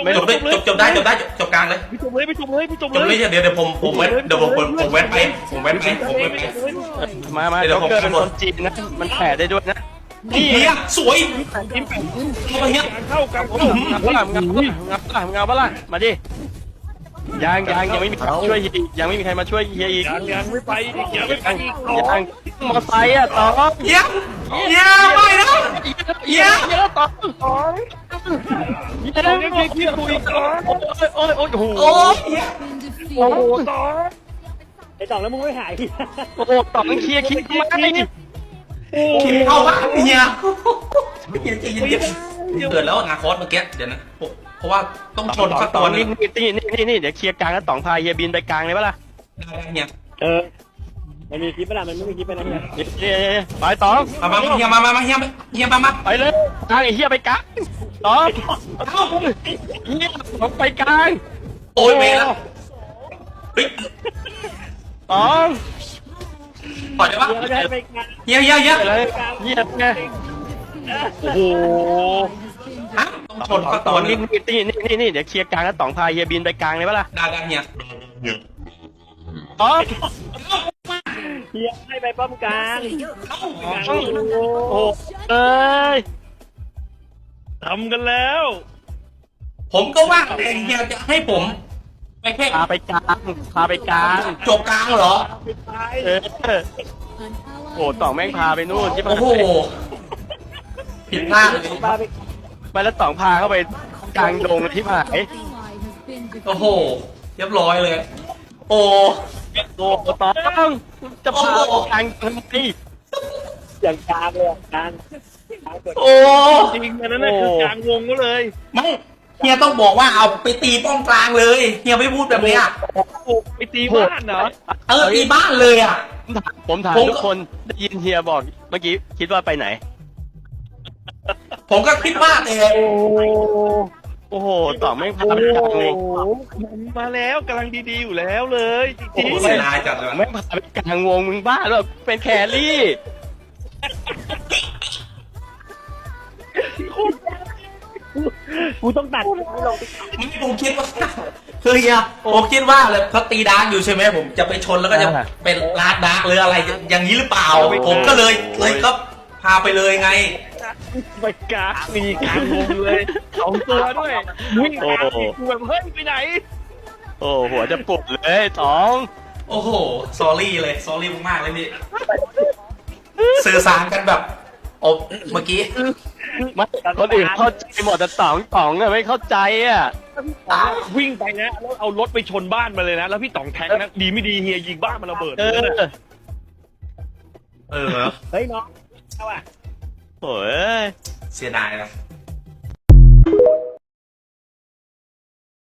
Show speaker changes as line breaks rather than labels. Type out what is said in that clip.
จบได้จบกลางเลย
พี่จบเลยพี่จบเลยพี่จบ
จบ
เล
เลย ยเดี๋ยวผมเว้นเดี๋ยวผมเว้นไป
มาโจ๊กเกอร์เป็นคนจีนนะมันแผ่ได้ด้วยนะ
นี่เฮียสวย
กินแปด
เข้าไปเฮีย
เข้ากัน
งับปะล่ะงับปะล่ะมาดิยังไม่มีใครช่วยเฮียยังไม่มีใครมาช่วยเฮียอีก
ยังไม่ไปยังไม่ไปอีก
ยังมอไซค์อ่ะต่อ
เฮียไม่นะเฮีย
ต่อ
ต้องยังเคียร์คุยก่อน
โอ้โห
โอ้เฮีย
โอ้โหต่อไอ้ต่อแล้วมึงไม่หาย
โอ้โหต่อมันเคลียร์ไม่
เข้าบ้านเฮียเย็นเกิดแล้วนาคอสเมื่อกี้เดี๋ยวนะเพราะว่าต้องชนสักตัวนึง
นี่เดี๋ยวเคลียร์กลางแล้วต่องพาเฮียบินไปกลางเลยปะล่ะ
ได้เฮีย
มันมีคลิปไหมล่ะมันไม่มีคลิปไปนะเนี่ย
ไปต่อ
มาเฮียมาเฮียมา
ไปเลยกลางไอ้เฮียไปกลางต่อเฮียผมไปกลาง
โอ้ยเมย์แล้วเฮ้ย
ต่อ
ปล่อยได้ปะ
เดี๋ยวจะไปงาน
เฮีย
ไปเลยเฮียไงโอ้โห
ฮะต้องชนสักตัวนึง
นี่เดี๋ยวเคลียร์กลางแล้วต่องพาเฮียบินไปกลางเลยปะล่ะ
ได้เฮีย
ต่อ
เฮียให้ไปป้อมกลาง
โอ้โหเอ้ย
ทำกันแล้ว
ผมก็ว่าเฮียจะให้ผมไปแค่
พาไปกลาง
จบกลางเหรอ
ไปตาย
โอ้ต่องแม่งพาไปนู่นที่
โอ้โหผิดพลาดเลย
ป้าไป
ไปแล้วต่องพาเข้าไปกลางดงที่หาย
โอ้โหเรียบร้อยเลย โอ้
โอ้ต้องจะพากลางทำไม
อย่างกลางเลยกลาง
โอ้
จริงๆอันนั้นน่ะคือกลางวงก็เลย
ไม่เฮียต้องบอกว่าเอาไปตีป้องกลางเลยเฮียไม่พูดแบบเนี้ย
ไปตีบ้านเหรอ
ตีบ้านเลยอ่ะ
ผมถามทุกคนได้ยินเฮียบอกเมื่อกี้คิดว่าไปไหน
ผมก็คิดว่าแต่
โอ้โหต่องแม่งพาไปกลางเลย
มาแล้วกำลังดีๆอยู่แล้วเลยจ
โอ้
ริง
โหเสียดายจัดเลย
แม่งพาไปกลางวงมึงบ้าหรอเป็นแครี่
ๆกูต้องตัดไม่ลง
ไม่ผมคิดว่าคือเฮียผมคิดว่าเลยเขาตีดาร์กอยู่ใช่ไหมผมจะไปชนแล้วก็จะเป็นลาดดาร์กหรืออะไรอย่างนี้หรือเปล่า ผมก็เลยก็พาไปเลยไง
ไปกลางมีกลางวงเลย2 ตัวด้วยวิ่งกลางกูแบบเฮ้ยไปไหน
โอ้หัวจะปวดเลยต่อง
โอ้โหสอรี่เลยสอรี่มากๆเลยพี่สื่อสารกันแบบโอ้เมื่อกี้
ไม่คนอื่นเข้าใจหมดแต่ต่องอะไม่เข้าใจอ่ะ
วิ่งไปนะแล้วเอารถไปชนบ้านมาเลยนะแล้วพี่ต๋องแทงนะดีไม่ดีเฮียยิงบ้านมันระเบิด
เอ
เลย
อ
เออ
เฮ้ยน้องเอาอ่ะ
โอ้ย
เสียดายนะ